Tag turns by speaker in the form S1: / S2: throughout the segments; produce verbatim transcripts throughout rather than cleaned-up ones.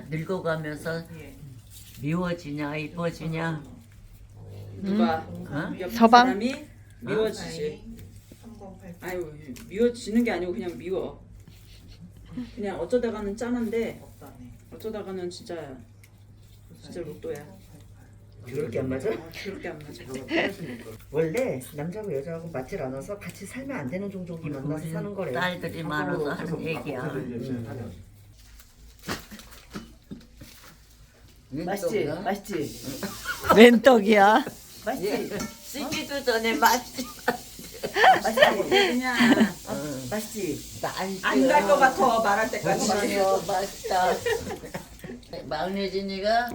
S1: 늙어가면서 미워지냐 이뻐지냐?
S2: 누가
S1: 어?
S2: 옆
S3: 서방?
S2: 사람이 미워지지. 아유 미워지는 게 아니고 그냥 미워. 그냥 어쩌다가는 짠한데 어쩌다가는 진짜 진짜 로또야.
S4: 그렇게 안 맞아?
S2: 그렇게 안 맞아.
S4: 원래 남자하고 여자하고 맞질 않아서 같이 살면 안 되는 종족이 만나서 사는 거래.
S1: 딸들이 많아서 하는 얘기야.
S4: 맛있지? 맛있지?
S3: 웬 떡이야?
S4: 맛있지?
S1: 쓰기도 전에 맛있지.
S4: 맛있지?
S2: 그냥
S4: 맛있지?
S2: 안 갈 것 같아 말할 때까지.
S1: 맛있어, 맛있다. 막내진이가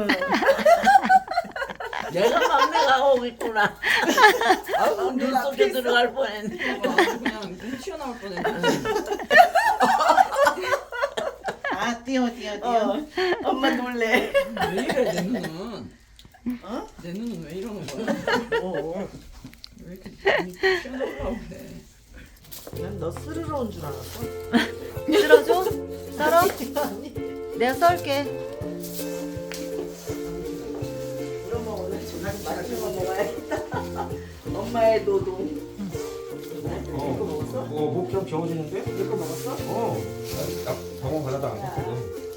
S1: 내가 막내가 오고 있구나. 아우 눈 속에 들어갈 뻔했네.
S2: 그냥 눈 튀어나올 뻔했네.
S4: 아 뛰어 뛰어 뛰어. 엄마 놀래.
S2: 왜 이래 내 눈은? 어? 내 눈은 왜 이러는 거야?
S4: 어.
S2: 왜 이렇게 눈이 튀어나오려고 그래?
S4: 난너 스르러 온 줄 알았어.
S3: 쓸어줘? 썰어? 내가 썰게.
S4: 그러면 오늘 저녁 맛있는 거 먹어야겠다. 엄마의 노동.
S5: 어,
S4: 이거 먹었어?
S5: 어, 목좀 겨워지는데?
S4: 이거 먹었어?
S5: 어, 딱 병원 가려다 안 갔거든.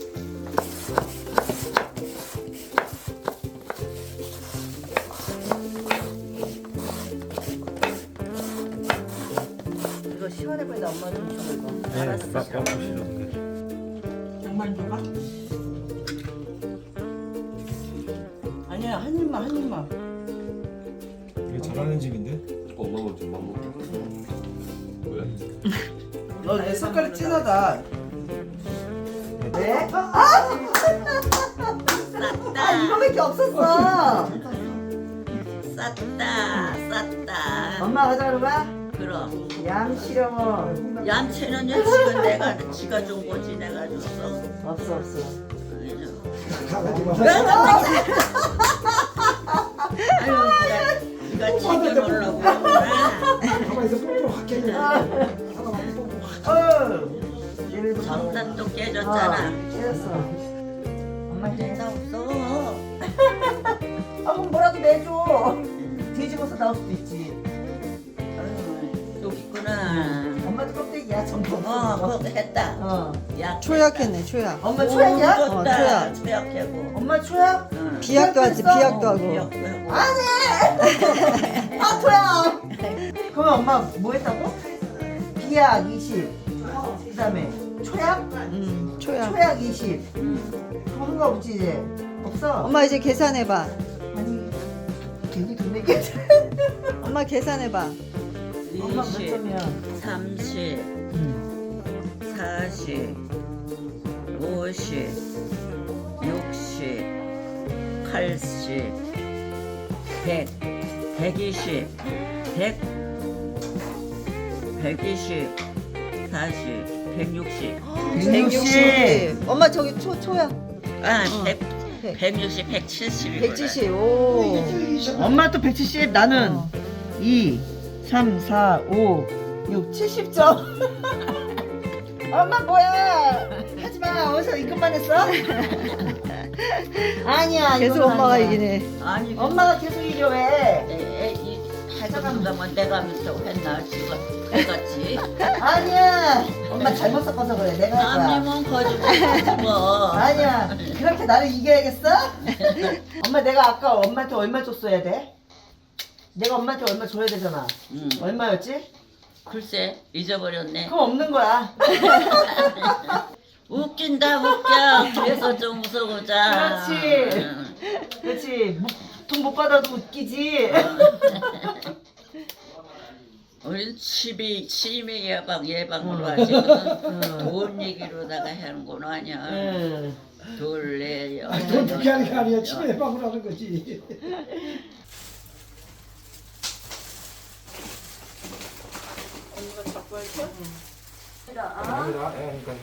S4: 이거 시원해 보인다. 엄마 좀 줘 이거.
S5: 네,
S4: 알았어.
S5: 막 먹으시던데.
S4: 정말 줘봐? 아니야 한 입만 한 입만.
S5: 이게 잘하는 집인데?
S6: 엄마 먼저 맘 먹고 왜?
S4: 너내 색깔이 진하다. 네? 아 이거밖에 없었어.
S1: 쌌다, 쌌다.
S4: 엄마 하자 그러봐.
S1: 그럼
S4: 양치려워.
S1: 얌체는 요 지가 내가 지가 준 거지 내가 줬어.
S4: 없어 없어.
S1: 아유, 네가 네가 챙겨놓으려고 그러구나.
S4: 어. 얘네도
S1: 정단도 깨졌잖아.
S4: 깨졌어.
S1: 엄마 된다 없어.
S4: 아 그럼 뭐라도 내줘. 뒤집어서 나올 수도 있지.
S1: 아유, 여기 있구나.
S4: 엄마도 껍데기야 전부.
S1: 어, 그거 했다.
S4: 어.
S1: 야,
S3: 초약했네, 초약.
S4: 엄마 초약이야?
S1: 오,
S3: 어,
S1: 좋다.
S3: 초약.
S1: 초약하고.
S4: 엄마 초약?
S1: 응.
S3: 비약도 하지, 비약도 하고.
S1: 비약도 하고.
S4: 아 초약. 그러면 엄마 뭐 했다고? 비약 이십. 그다음에 초약?
S3: 음, 초약.
S4: 초약 이십. 그거 한거 없지 이제? 없어?
S3: 엄마 이제 계산해봐.
S4: 아니 괜히 돈 내게.
S3: 엄마 계산해봐.
S4: 엄마 몇
S1: 이십,
S4: 점이야?
S1: 삼십, 사십, 오십, 육십, 팔십, 백, 백이십, 백, 백이십, 사십, 백육십.
S3: 백육십. 엄마 저기 초, 초약.
S1: 아,
S3: 어.
S1: 백,
S3: 백.
S1: 백육십, 백칠십.
S3: 백칠십. 오.
S4: 엄마 또 백칠십 나는
S3: 어.
S4: 이, 삼, 사, 오, 육, 칠십 점. 엄마 뭐야? 하지마. 어디서 이것만 했어? 아니야.
S3: 계속
S4: 이건
S3: 엄마가
S4: 아니야.
S3: 이기네.
S1: 아니,
S4: 엄마가 계속 이겨 왜?
S1: 에, 에, 이, 잠깐만 내가 밑에 했나 지금 해갔지.
S4: 아니야. 엄마 잘못 섞어서 그래. 내가 할 거야.
S1: 남이면 거짓말 뭐.
S4: 아니야. 그렇게 나를 이겨야겠어? 엄마 내가 아까 엄마한테 얼마 줬어야 돼? 내가 엄마한테 얼마 줘야 되잖아.
S1: 응.
S4: 얼마였지?
S1: 글쎄 잊어버렸네.
S4: 그럼 없는 거야.
S1: 웃긴다 웃겨. 그래서 좀 웃어보자.
S4: 그렇지.
S1: 응.
S4: 그렇지. 돈 못 받아도 웃기지.
S1: 우리 치비 치매 예방 예방으로
S4: 응.
S1: 하지.
S4: 응.
S1: 돈 얘기로다가 하는 건 아니야.
S4: 응.
S1: 둘레 여.
S7: 돈 그렇게 하는 게 아니야. 치매 예방을 하는 거지.
S5: 아니다. 예, 그러니까.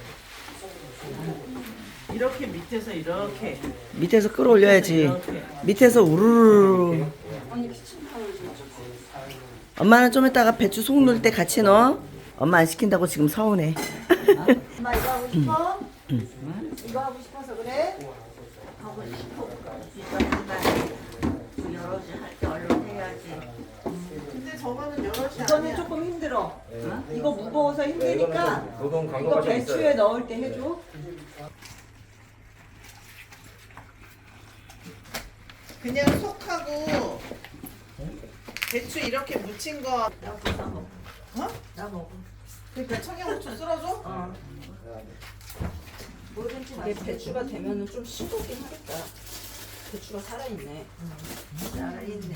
S4: 이렇게 밑에서 이렇게. 밑에서 끌어올려야지. 밑에서 우르르. 엄마는 좀 이따가 배추 속 넣을 때 같이 넣어. 엄마 안 시킨다고 지금 서운해. 엄마 이거 하고 싶어? 이거 하고 싶어서 그래?
S1: 근데 저거는 여럿이
S3: 이거는
S1: 아니야.
S3: 조금 힘들어. 어? 이거 무거워서 힘드니까
S5: 노동
S3: 이거
S5: 강도가 좀
S3: 배추에
S5: 있어요.
S3: 넣을 때 해줘.
S1: 그냥 속하고 배추 이렇게 무친 거. 어?
S3: 나 먹어.
S1: 그러니까 청양고추 쓸어줘?
S3: 어. 이게 배추가 되면은 좀 싱겁긴 하겠다. 배추가 살아있네.
S1: 살아있네.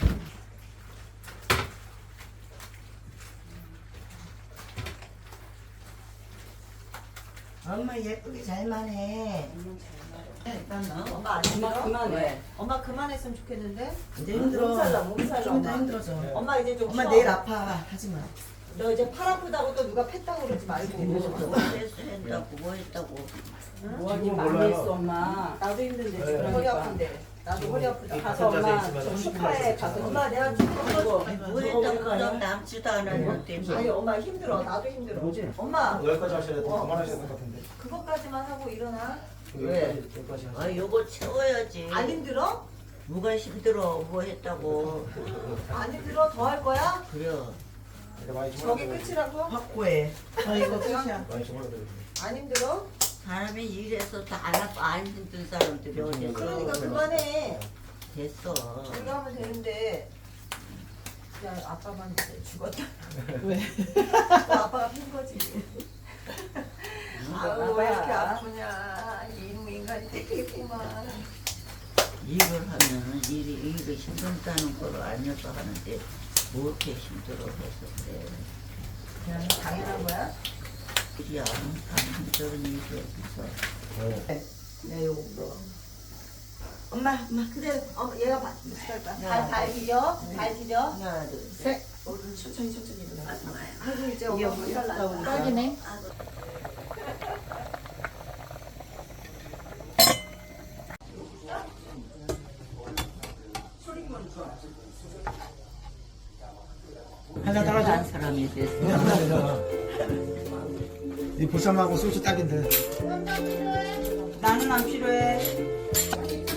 S4: 엄마 예쁘게 잘만 해.
S1: 일단 나.
S3: 엄마 안 힘들어? 그만해. 엄마 그만했으면 좋겠는데.
S4: 이제 힘들어.
S3: 몸살나 몸살나.
S4: 좀 더
S3: 엄마.
S4: 힘들어져.
S3: 엄마 이제 좀
S4: 엄마
S3: 쉬어.
S4: 내일 아파. 하지 마.
S3: 너 이제 팔 아프다고 또 누가 팼다고 그러지 말고.
S1: 뭐 했다고 뭐 했다고.
S3: 뭐하긴 많이 했어 엄마. 나도 힘든데 지금 허리 아픈데. 나도 허리 아프다. 가서 엄마 좀 축하해. 가서 엄마 내가 축하해줘.
S1: 뭐 했다고 그냥 남지도 않았는데.
S3: 아니 엄마 힘들어. 나도 힘들어. 엄마
S5: 여기까지 하셔야 돼. 더 그만하셔야 될 것 같은데.
S3: 그것까지만 하고 일어나.
S1: 왜?
S5: 여기까지 하셔야
S1: 아 요거 채워야지.
S3: 안 힘들어?
S1: 뭐가 힘들어? 뭐 했다고.
S3: 안 힘들어? 더 할 거야?
S1: 그래.
S5: 돼. 많이
S3: 저게
S5: 주물러드려요.
S3: 끝이라고?
S4: 확고해.
S1: 아 이거 끝이야.
S5: 많이 주물러드려요.
S3: 안 힘들어?
S1: 사람이 일해서 다안 아파 안 힘든 사람들이 어디
S3: 그러니까 그만해.
S1: 됐어.
S3: 이거 하면 되는데. 야 아빠만 이제 죽었다.
S1: 왜?
S3: 또 아빠가 핀 거지. 아유 왜 이렇게 아프냐. 이놈 인간이 되겠구만.
S1: 일을 하면은 일이 일이 힘들다는 걸 알면서 하는데 뭐 이렇게 힘들어 해서 그래.
S3: 그냥 당연한 거야?
S1: 일이 안 힘든 일이 어딨어.
S3: 네 요거 물어.
S4: 엄마, 엄마.
S3: 근데 어, 얘가 발, 발발 디뎌. 발 디뎌.
S4: 하나, 둘, 셋.
S3: 천천히 천천히 일어나.
S1: 아파요.
S3: 아이고 이제 엄마 몸살 난다.
S4: 딱이네.
S5: 한잔 따라줘.
S1: 한 사람이 됐어.
S5: 그냥 하면 되잖아. 이 보쌈하고 소주 딱인데.
S3: 나는 안 필요해.